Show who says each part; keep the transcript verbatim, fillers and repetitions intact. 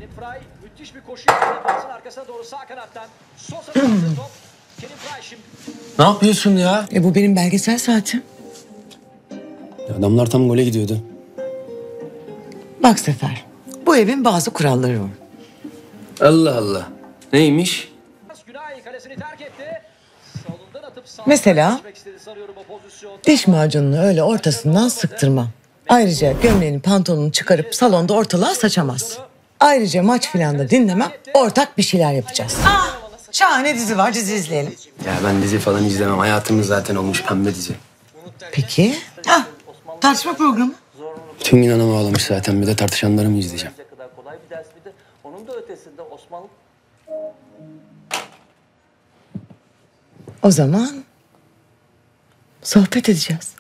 Speaker 1: Fry müthiş bir koşu yaptı. Pasın arkasına doğru sağ kanattan. Sosa top. Kerim Fry şimdi.
Speaker 2: Ne yapıyorsun ya?
Speaker 3: E bu benim belgesel saatim.
Speaker 2: Adamlar tam gole gidiyordu.
Speaker 3: Bak Sefer, bu evin bazı kuralları var.
Speaker 2: Allah Allah. Neymiş?
Speaker 1: Günay kalesini terk etti. Solundan atıp sağ
Speaker 3: Mesela?
Speaker 1: geçmek istedi sanıyorum o pozisyonda.
Speaker 3: Diş macununu öyle ortasından sıktırmam. Ayrıca gömleğini pantolonunu çıkarıp salonda ortalığa saçamaz. Ayrıca maç filan da dinlemem, ortak bir şeyler yapacağız. Ah, şahane dizi var, dizi izleyelim.
Speaker 2: Ya ben dizi falan izlemem. Hayatımız zaten olmuş pembe dizi.
Speaker 3: Peki. Ah, tartışma programı.
Speaker 2: Tüm gün anam ağlamış zaten. Bir de tartışanları mı izleyeceğim?
Speaker 4: kadar kolay bir ders bir de onun da ötesinde Osmanlı
Speaker 3: O zaman sohbet edeceğiz.